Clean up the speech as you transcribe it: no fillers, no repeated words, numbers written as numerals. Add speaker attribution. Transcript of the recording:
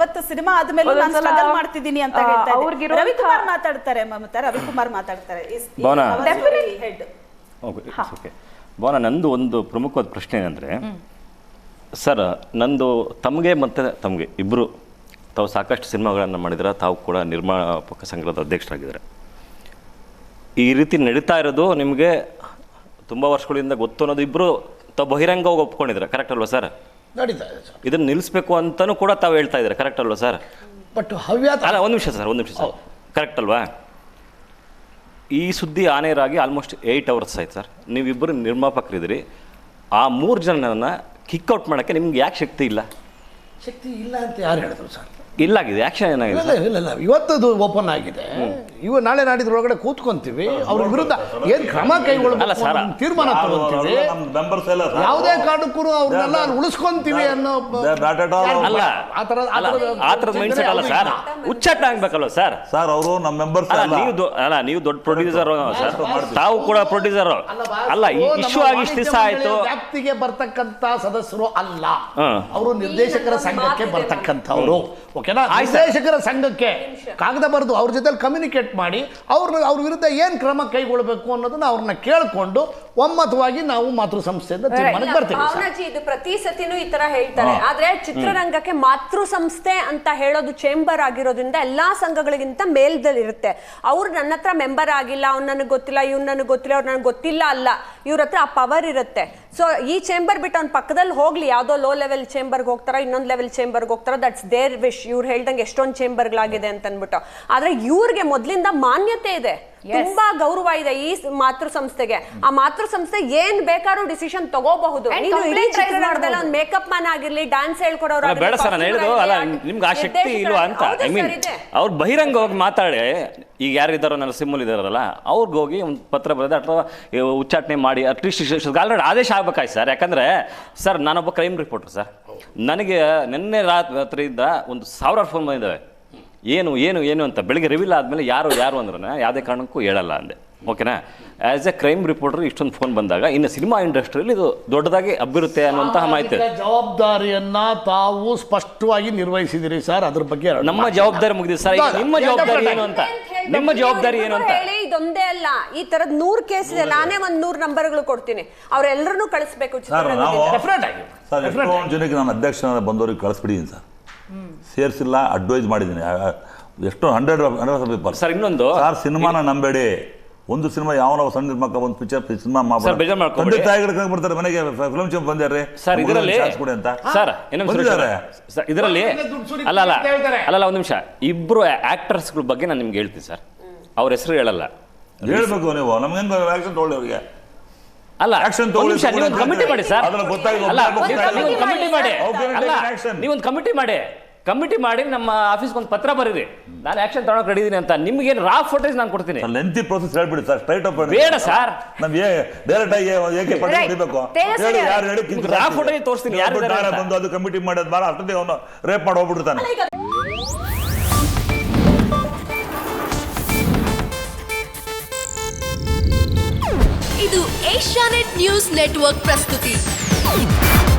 Speaker 1: ಇವತ್ತು ಸಿನಿಮಾ ಆದ್ಮೇಲೆ ನಾನು ಸ್ಟ್ರಗಲ್ ಮಾಡ್ತಿದ್ದೀನಿ ಅಂತ ಹೇಳ್ತಾ ಇದ್ದೀನಿ. ರವಿಕುಮಾರ್ ಮಾತಾಡ್ತಾರೆ, ಮಮತಾ ರವಿಕುಮಾರ್ ಮಾತಾಡ್ತಾರೆ.
Speaker 2: ಭವನ, ನಂದು ಒಂದು ಪ್ರಮುಖವಾದ ಪ್ರಶ್ನೆ ಏನಂದರೆ, ಸರ್ ನಂದು ತಮಗೆ ಮತ್ತು ತಮಗೆ ಇಬ್ಬರು ತಾವು ಸಾಕಷ್ಟು ಸಿನಿಮಾಗಳನ್ನು ಮಾಡಿದ್ರೆ, ತಾವು ಕೂಡ ನಿರ್ಮಾಪಕ ಸಂಘದ ಅಧ್ಯಕ್ಷರಾಗಿದ್ದಾರೆ. ಈ ರೀತಿ ನಡೀತಾ ಇರೋದು ನಿಮಗೆ ತುಂಬ ವರ್ಷಗಳಿಂದ ಗೊತ್ತು ಅನ್ನೋದು ಇಬ್ಬರು ತಾವು ಬಹಿರಂಗವಾಗಿ ಒಪ್ಕೊಂಡಿದ್ರೆ, ಕರೆಕ್ಟ್ ಅಲ್ವಾ ಸರ್?
Speaker 3: ನಡೀತಾ ಇದೆ ಸರ್.
Speaker 2: ಇದನ್ನು ನಿಲ್ಲಿಸ್ಬೇಕು ಅಂತಲೂ ಕೂಡ ತಾವು ಹೇಳ್ತಾ ಇದ್ದಾರೆ, ಕರೆಕ್ಟ್ ಅಲ್ವಾ ಸರ್?
Speaker 3: ಬಟ್ ಹವ್ಯಾಸ
Speaker 2: ಅಲ್ಲ, ಒಂದು ನಿಮಿಷ ಸರ್, ಕರೆಕ್ಟ್ ಅಲ್ವಾ? ಈ ಸುದ್ದಿ ಆನೇರಾಗಿ ಆಲ್ಮೋಸ್ಟ್ 8 hours ಆಯ್ತು ಸರ್. ನೀವಿಬ್ಬರು ನಿರ್ಮಾಪಕರಿದ್ದೀರಿ. ಆ 3 ಜನನ ಕಿಕ್ಔಟ್ ಮಾಡೋಕ್ಕೆ ನಿಮ್ಗೆ ಯಾಕೆ ಶಕ್ತಿ ಇಲ್ಲ?
Speaker 3: ಶಕ್ತಿ ಇಲ್ಲ ಅಂತ ಯಾರು ಹೇಳಿದ್ರು ಸರ್?
Speaker 2: ಇಲ್ಲಾಗಿದೆ, ಆಕ್ಷನ್ ಏನಾಗಿದೆ?
Speaker 3: ಇಲ್ಲ, ಇವತ್ತದು ಓಪನ್ ಆಗಿದೆ. ನಾಳೆ ನಾಡಿದ್ರೊಳಗಡೆ ಕೂತ್ಕೊಂತೀವಿ, ಅವ್ರ ವಿರುದ್ಧ ಏನ್ ಕ್ರಮ ಕೈಗೊಳ್ಳಬೇಕು ತೀರ್ಮಾನ ತಗೊಂತೀವಿ. ಯಾವುದೇ ಕಾರಣಕ್ಕೂ ಅವ್ರನ್ನೆಲ್ಲ ಉಳಿಸ್ಕೊಂತೀವಿ ಅನ್ನೋ
Speaker 2: ಆತರದ ಮೈಂಡ್ ಸೆಟ್ ಅಲ್ಲ ಸರ್. ಉಚ್ಚಾಟ ಆಗ್ಬೇಕಲ್ವ ಸರ್?
Speaker 4: ಸರ್ ಅವರು ನಮ್ಮ ಮೆಂಬರ್ಸ್
Speaker 2: ನೀವು ದೊಡ್ಡ ಪ್ರೊಡ್ಯೂಸರ್ ಸರ್, ತಾವು ಕೂಡ ಪ್ರೊಡ್ಯೂಸರ್ ಅಲ್ಲ. ಇಶ್ಯೂ ಆಗಿ ಇಷ್ಟು ದಿವಸ ಆಯ್ತು.
Speaker 3: ವ್ಯಾಪ್ತಿಗೆ ಬರ್ತಕ್ಕಂತ ಸದಸ್ಯರು ಅಲ್ಲ, ಅವರು ನಿರ್ದೇಶಕರ ಸಂಘಕ್ಕೆ ಬರ್ತಕ್ಕಂಥವ್ರು. ಓಕೆನಾ? ನಿರ್ದೇಶಕರ ಸಂಘಕ್ಕೆ ಕಾಗದ ಬರೆದು ಅವ್ರ ಜೊತೆ ಕಮ್ಯುನಿಕೇಟ್ ಮಾಡಿ ಅವ್ರ ವಿರುದ್ಧ ಏನ್ ಕ್ರಮ ಕೈಗೊಳ್ಳಬೇಕು ಅನ್ನೋದನ್ನ ಅವ್ರನ್ನ ಕೇಳಿಕೊಂಡು ಒಮ್ಮತವಾಗಿ ನಾವು ಮಾತೃ ಸಂಸ್ಥೆಯಿಂದ ತೀರ್ಮಾನಕ್ಕೆ ಬರ್ತೀವಿ.
Speaker 5: ಇದು ಪ್ರತಿ ಸತಿನೂ ಈ ತರ ಹೇಳ್ತಾರೆ, ಆದ್ರೆ ಚಿತ್ರರಂಗಕ್ಕೆ ಮಾತೃ ಸಂಸ್ಥೆ ಅಂತ ಹೇಳೋದು ಚೇಂಬರ್ ಆಗಿರೋದ್ರಿಂದ ಎಲ್ಲಾ ಸಂಘಗಳಿಗಿಂತ ಮೇಲ್ದಲ್ಲಿರುತ್ತೆ. ಅವ್ರು ನನ್ನ ಹತ್ರ ಮೆಂಬರ್ ಆಗಿಲ್ಲ, ಅವ್ನು ನನಗೆ ಗೊತ್ತಿಲ್ಲ, ಇವ್ನು ನನಗೆ ಗೊತ್ತಿಲ್ಲ, ಅವ್ರು ನನಗೆ ಗೊತ್ತಿಲ್ಲ ಅಲ್ಲ, ಇವ್ರ ಹತ್ರ ಆ ಪವರ್ ಇರುತ್ತೆ. ಸೊ ಈ ಚೇಂಬರ್ ಬಿಟ್ಟು ಅವ್ನ ಪಕ್ಕದಲ್ಲಿ ಹೋಗ್ಲಿ, ಯಾವ್ದೋ ಲೋ ಲೆವೆಲ್ ಚೇಂಬರ್ಗೆ ಹೋಗ್ತಾರ, ಇನ್ನೊಂದು ಲೆವೆಲ್ ಚೇಂಬರ್ಗೆ ಹೋಗ್ತಾರ, ದಟ್ಸ್ ದೇರ್ ವಿಶ್. ಇವ್ರು ಹೇಳ್ದಂಗೆ ಎಷ್ಟೊಂದು ಚೇಂಬರ್ಗಳಾಗಿದೆ ಅಂತ ಅನ್ಬಿಟ್ಟು. ಆದ್ರೆ ಇವ್ರಿಗೆ ಮೊದ್ಲಿಂದ ಮಾನ್ಯತೆ ಇದೆ, ತುಂಬಾ ಗೌರವ ಇದೆ ಈ ಮಾತೃ ಸಂಸ್ಥೆಗೆ. ಆ ಮಾತೃ ಸಂಸ್ಥೆ ಏನ್ ಬೇಕಾದ್ರೂ ಡಿಸಿಷನ್ ತಗೋಬಹುದು. ನೀನು ಇಡೀ ಚಿತ್ರರಂಗದಲ್ಲಿ ಒಂದು ಮೇಕಪ್ ಮ್ಯಾನ್ ಆಗಿರ್ಲಿ, ಡ್ಯಾನ್ಸ್ ಹೇಳ್ಕೊಡೋರು
Speaker 2: ಬೇಡ ಸರ್, ನಾನು ಹೇಳಿದ್ರು ಅಲ್ಲ, ನಿಮ್ಗೆ ಆ ಶಕ್ತಿ ಇಲ್ವಾ ಅಂತ. ಐ ಮೀನ್ ಅವ್ರು ಬಹಿರಂಗ ಹೋಗಿ ಮಾತಾಡಿ, ಈಗ ಯಾರಿದ್ದಾರೋ ನರಸಿಂಹಲ್ ಇದಾರಲ್ಲ, ಅವ್ರಿಗೆ ಹೋಗಿ ಒಂದು ಪತ್ರ ಬರೆದ ಅಥವಾ ಉಚ್ಚಾಟನೆ ಮಾಡಿ ಅಟ್ಲೀಸ್ಟ್ ಆಲ್ರೆಡಿ ಆದೇಶ ಆಗ್ಬೇಕಾಯ್ತು ಸರ್. ಯಾಕಂದ್ರೆ ಸರ್, ನಾನೊಬ್ಬ ಕ್ರೈಮ್ ರಿಪೋರ್ಟರ್ ಸರ್. ನನಗೆ ನಿನ್ನೆ ರಾತ್ರಿಯಿಂದ 1000 ಫೋನ್ ಬಂದಿದ್ದಾವೆ. ಏನು ಅಂತ. ಬೆಳಿಗ್ಗೆ ರಿವೀಲ್ ಆದಮೇಲೆ ಯಾರು ಅಂದ್ರೆ ಯಾವುದೇ ಕಾರಣಕ್ಕೂ ಹೇಳಲ್ಲ ಅಂದೆ. ಓಕೆನಾ? ಆಸ್ ಎ ಕ್ರೈಮ್ ರಿಪೋರ್ಟರ್ ಇಷ್ಟೊಂದು ಫೋನ್ ಬಂದಾಗ ಇನ್ನು ಸಿನಿಮಾ ಇಂಡಸ್ಟ್ರಿಯಲ್ಲಿ ಇದು ದೊಡ್ಡದಾಗಿ ಹಬ್ಬಿರುತ್ತೆ ಅನ್ನುವಂತಹ ಮಾಹಿತಿ.
Speaker 3: ಜವಾಬ್ದಾರಿಯನ್ನ ತಾವು ಸ್ಪಷ್ಟವಾಗಿ ನಿರ್ವಹಿಸಿದಿರಿ ಸರ್, ಅದ್ರ ಬಗ್ಗೆ
Speaker 2: ನಮ್ಮ ಜವಾಬ್ದಾರಿ ಮುಗಿದಿದೆ ಸರ್. ನಿಮ್ಮ ಜವಾಬ್ದಾರಿ ಏನು ಅಂತ? ನಿಮ್ಮ ಜವಾಬ್ದಾರಿ ಏನು ಅಂತ
Speaker 5: ಹೇಳಿ. ಇದೊಂದೇ ಅಲ್ಲ, ಈ ತರದ್ 100 ಕೇಸ್ ಇದೆ. ನಾನೇ ಒಂದು 100 ನಂಬರ್ಗಳು ಕೊಡ್ತೀನಿ, ಅವ್ರೆಲ್ಲರನ್ನೂ ಕಳಿಸ್ಬೇಕು.
Speaker 4: ಜನಕ್ಕೆ ನಾನು ಅಧ್ಯಕ್ಷ ಬಂದವ್ರಿಗೆ ಕಳಿಸ್ಬಿಟ್ಟಿದ್ದೀನಿ ಸರ್, ಸೇರಿಸಿಲ್ಲ, ಅಡ್ವೈಸ್ ಮಾಡಿದ್ದೀನಿ. ಎಷ್ಟೋ 100 ಪೀಪಲ್
Speaker 2: ಸರ್. ಇನ್ನೊಂದು
Speaker 4: ಸರ್, ಸಿನಿಮಾನ ನಂಬೇಡಿ. ಒಂದು ಸಿನಿಮಾ ಯಾವನೋ ಸಣ್ಣ ನಿರ್ಮಾಕ ಒಂದು ಪಿಕ್ಚರ್ ಸಿನಿಮಾ ಬರ್ತಾರೆ ಮನೆಗೆ, ಫಿಲ್ಮ್ ಚೇಂಬರ್ ಬಂದ್ಯಾರ್ರಿ
Speaker 2: ಸರ್ ಇದರಲ್ಲಿ
Speaker 4: ಅಂತ
Speaker 2: ಸರ್. ಇದರಲ್ಲಿ ಅಲ್ಲ ಒಂದು ನಿಮಿಷ, ಇಬ್ರು ಆಕ್ಟರ್ಸ್ಗಳ ಬಗ್ಗೆ ನಾನು ನಿಮ್ಗೆ ಹೇಳ್ತೀನಿ ಸರ್. ಅವ್ರ ಹೆಸರು ಹೇಳಲ್ಲ,
Speaker 4: ಹೇಳ್ಬೇಕು ನೀವು. ನಮ್ಗೇನು ಆಕ್ಷನ್ ತಗೊಳ್ಳಿ ಅವರಿಗೆ.
Speaker 2: ಅಲ್ಲ, ನೀವೊಂದು ಕಮಿಟಿ ಮಾಡಿ ಸರ್. ನೀವೊಂದು ಕಮಿಟಿ ಮಾಡಿ ನಮ್ಮ ಆಫೀಸ್ಗೆ ಒಂದು ಪತ್ರ ಬರೀರಿ, ನಾನು ಆಕ್ಷನ್ ತಗೊಳಕ್ ರೆಡಿ ಇದೀನಿ ಅಂತ. ನಿಮ್ಗೇನು ರಾ ಫೋಟೇಜ್ ನಾನು ಕೊಡ್ತೀನಿ.
Speaker 4: ಲೆಂತಿ ಪ್ರೋಸೆಸ್ ಹೇಳ್ಬಿಡಿ ಸರ್, ಸ್ಟ್ರೈಟ್ ಅಪ್
Speaker 2: ಬೇಡ ಸರ್.
Speaker 4: ನಮ್ಗೆ ಡೈರೆಕ್ಟ್ ಆಗಿ ಏಕೆ ಪಟ್ಟಿ ಹೊಡಿಬೇಕು? ಯಾರು ಹೇಳಿ
Speaker 2: ರಾ ಫೋಟೇಜ್ ತೋರಿಸ್ತೀನಿ.
Speaker 4: ಬಂದು ಅದು ಕಮಿಟಿ ಮಾಡೋದು ಭಾಳ ಅಷ್ಟೊತ್ತಿಗೆ ಅವನು ರೇಪ್ ಮಾಡಿ ಹೋಗ್ಬಿಡ್ತಾನೆ.
Speaker 6: ಇದು ಏಷ್ಯಾನೆಟ್ ನ್ಯೂಸ್ ನೆಟ್ವರ್ಕ್ ಪ್ರಸ್ತುತಿ.